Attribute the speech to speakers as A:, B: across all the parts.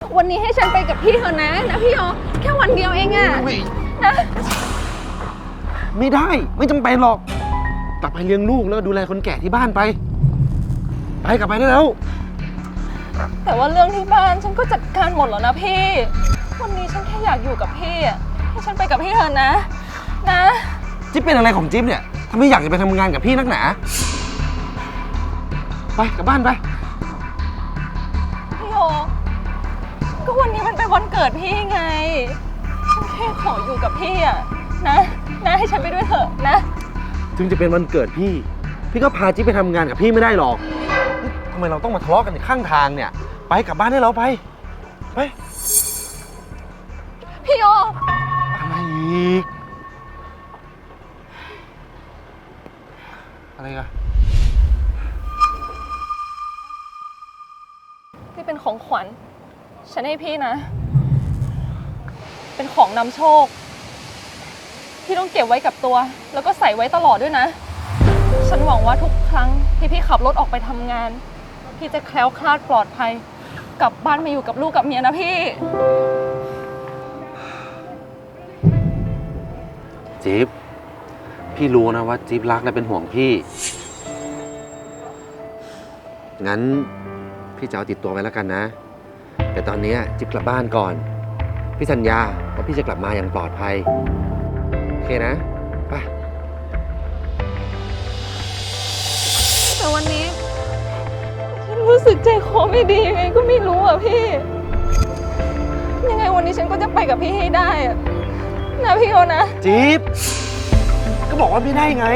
A: วันนี้ให้ฉันไปกับพี่เถอะนะพี่โยแค่วันเดียวเองอะนะ
B: ไม่ได้ไม่จำเป็นหรอกกลับไปเลี้ยงลูกแล้วดูแลคนแก่ที่บ้านไปกลับไปได้แล้ว
A: แต่ว่าเรื่องที่บ้านฉันก็จัดการหมดแล้วนะพี่วันนี้ฉันแค่อยากอยู่กับพี่อะให้ฉันไปกับพี่เถอะนะ
B: จิ๊บเป็นอะไรของจิ๊บเนี่ยทำไมอยากจะไปทำงานกับพี่นักหนาไปกลับบ้านไป
A: พี่โยก็วันนี้มันเป็นวันเกิดพี่ไงฉันแค่ขออยู่กับพี่อะนะให้ฉันไปด้วยเถอะนะ
B: ถึงจะเป็นวันเกิดพี่ก็พาจิ๊บไปทำงานกับพี่ไม่ได้หรอกทำไมเราต้องมาทะเลาะกันข้างทางเนี่ยไปกลับบ้านได้แล้วไป
A: พี่โย
B: อะไรอีกอะไรกัน
A: นี่เป็นของขวัญฉันให้พี่นะเป็นของนำโชคพี่ต้องเก็บไว้กับตัวแล้วก็ใส่ไว้ตลอดด้วยนะฉันหวังว่าทุกครั้งที่พี่ขับรถออกไปทำงานพี่จะแคล้วคลาดปลอดภัยกลับบ้านมาอยู่กับลูกกับเมียนะพี่
B: จิ๊บพี่รู้นะว่าจิ๊บรักและเป็นห่วงพี่งั้นพี่จะเอาติดตัวไว้แล้วกันนะแต่ตอนนี้จิ๊บกลับบ้านก่อนพี่สัญญาว่าพี่จะกลับมาอย่างปลอดภัยโอเคนะไป
A: แต่วันนี้ฉันรู้สึกใจคอไม่ดียังไงก็ไม่รู้อ่ะพี่ยังไงวันนี้ฉันก็จะไปกับพี่ให้ได้อะนะพี่โยนะ
B: จิ๊บก็บอกว่าไม่ได้ไง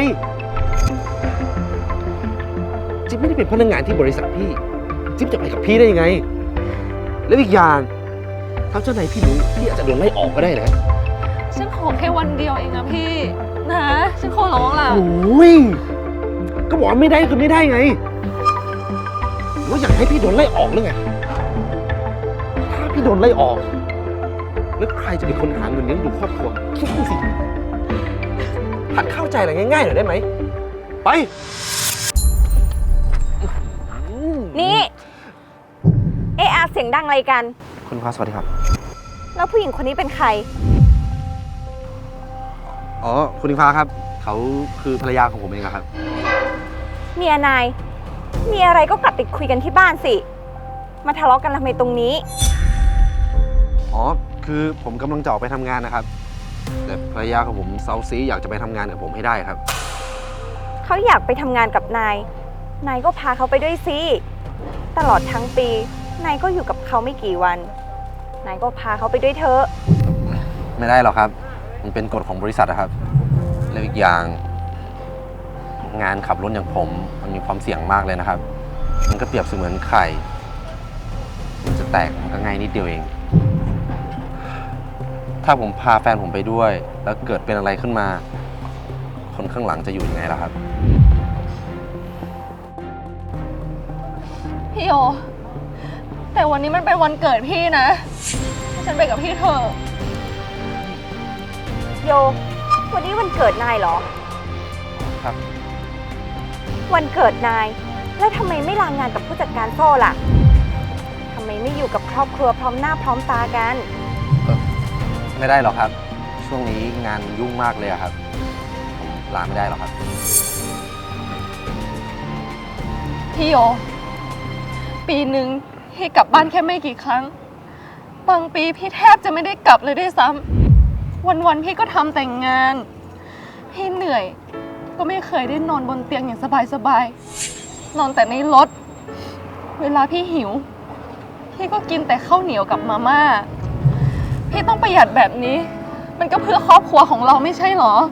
B: จิ๊บไม่ได้เป็นพนักงานที่บริษัทพี่จิ๊บจะไปกับพี่ได้ยังไงแล้วอีกอย่างถ้าเจ้านายพี่รู้พี่อาจจะโดนไล่ออกก็ได้นะ
A: ฉันขอแค่วันเดียวเองนะพี่นะฉันขอร้องล่ะ
B: โอ้ยก็บอกว่าไม่ได้คือไม่ได้ไงว่าอยากให้พี่โดนไล่ออกหรือไงถ้าพี่โดนไล่ออกแล้วใครจะเป็นคนหาเงินเลี้ยงดูครอบครัวคิดดูสิหัดเข้าใจอะไรง่ายๆหน่อยได้ไหมไป
C: นี่เอะอะเสียงดังอะไรกัน
B: คุณฟ้าสวัสดีครับ
C: แล้วผู้หญิงคนนี้เป็นใคร
B: อ๋อคุณฟ้าครับเขาคือภรรยาของผมเองครับ
C: เมียนายมีอะไรก็กลับไปคุยกันที่บ้านสิมาทะเลาะกันทำไมตรงนี้
B: อ๋อคือผมกำลังจะออกไปทำงานนะครับแต่ภรรยาของผมเซาซีอยากจะไปทำงานกับผมให้ได้ครับ
C: เขาอยากไปทำงานกับนายก็พาเขาไปด้วยสิตลอดทั้งปีนายก็อยู่กับเขาไม่กี่วันนายก็พาเขาไปด้วยเถอะ
B: ไม่ได้หรอกครับมันเป็นกฎของบริษัทนะครับแล้วอีกอย่างงานขับรถอย่างผมมันมีความเสี่ยงมากเลยนะครับมันก็เปรียบเสมือนไข่มันจะแตกมันก็ง่ายนิดเดียวเองถ้าผมพาแฟนผมไปด้วยแล้วเกิดเป็นอะไรขึ้นมาคนข้างหลังจะอยู่ยังไงล่ะครับ
A: พี่โยแต่วันนี้มันเป็นวันเกิดพี่นะให้ฉันไปกับพี่เถอะ
C: โยวันนี้วันเกิดนายเหรอ
B: ครับ
C: วันเกิดนายแล้วทำไมไม่ลางานกับผู้จัดการโซ่ล่ะทำไมไม่อยู่กับครอบครัวพร้อมหน้าพร้อมตากัน
B: ไม่ได้หรอกครับช่วงนี้งานยุ่งมากเลยครับผมลาไม่ได้หรอกครับ
A: พี่โยปีหนึ่งพี่กลับบ้านแค่ไม่กี่ครั้งบางปีพี่แทบจะไม่ได้กลับเลยด้วยซ้ำวันๆพี่ก็ทำแต่งงานพี่เหนื่อยก็ไม่เคยได้นอนบนเตียงอย่างสบายๆนอนแต่ในรถเวลาพี่หิวพี่ก็กินแต่ข้าวเหนียวกับมาม่าพี่ต้องประหยัดแบบนี้มันก็เพื่อครอบครัวของเราไม่ใช่หรอ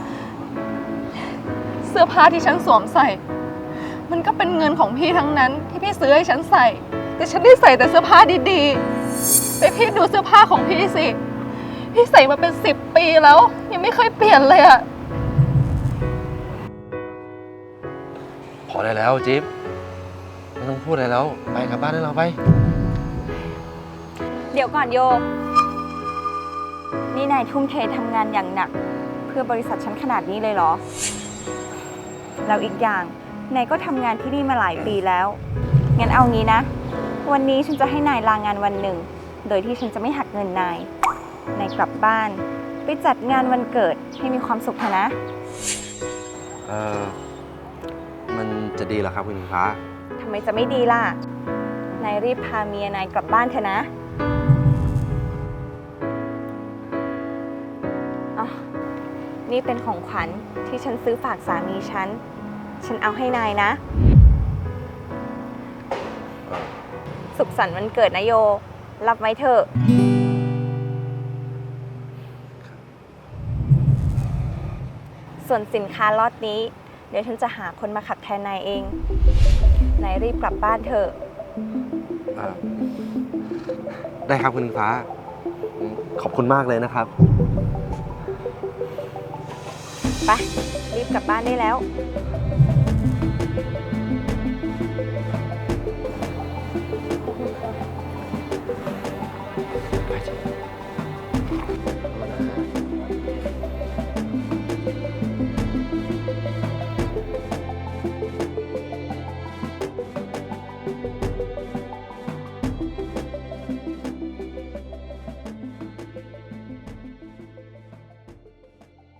A: เสื้อผ้าที่ฉันสวมใส่มันก็เป็นเงินของพี่ทั้งนั้นที่พี่ซื้อให้ฉันใส่แต่ฉันได้ใส่แต่เสื้อผ้าดีๆไปพี่ดูเสื้อผ้าของพี่สิพี่ใส่มาเป็น10 ปีแล้วยังไม่เคยเปลี่ยนเลยอะ
B: พอได้แล้วจิ๊บไม่ต้องพูดอะไรแล้วไปกลับบ้านได้แล้วไป
C: เดี๋ยวก่อนโยนี่นายทุ่มเททำงานอย่างหนักเพื่อบริษัทฉันขนาดนี้เลยเหรอแล้วอีกอย่างนายก็ทำงานที่นี่มาหลายปีแล้วงั้นเอางี้นะวันนี้ฉันจะให้นายลางานวันหนึ่งโดยที่ฉันจะไม่หักเงินนาย นายกลับบ้าน ไปจัดงานวันเกิดให้มีความสุขเถอะนะ
B: มันจะดีเหรอครับคุณอิงฟ้า
C: ทำไมจะไม่ดีล่ะ นายรีบพาเมียนายกลับบ้านเถอะนะอ๋อนี่เป็นของขวัญที่ฉันซื้อฝากสามีฉันเอาให้นายนะ สุขสันต์วันเกิดนะโย รับไว้เถอะ ส่วนสินค้าล็อตนี้ เดี๋ยวฉันจะหาคนมาขับแทนนายเอง นายรีบกลับบ้านเถอะ
B: ได้ครับคุณอิงฟ้า ขอบคุณมากเลยนะครับ
C: ไป รีบกลับบ้านได้แล้ว
B: ค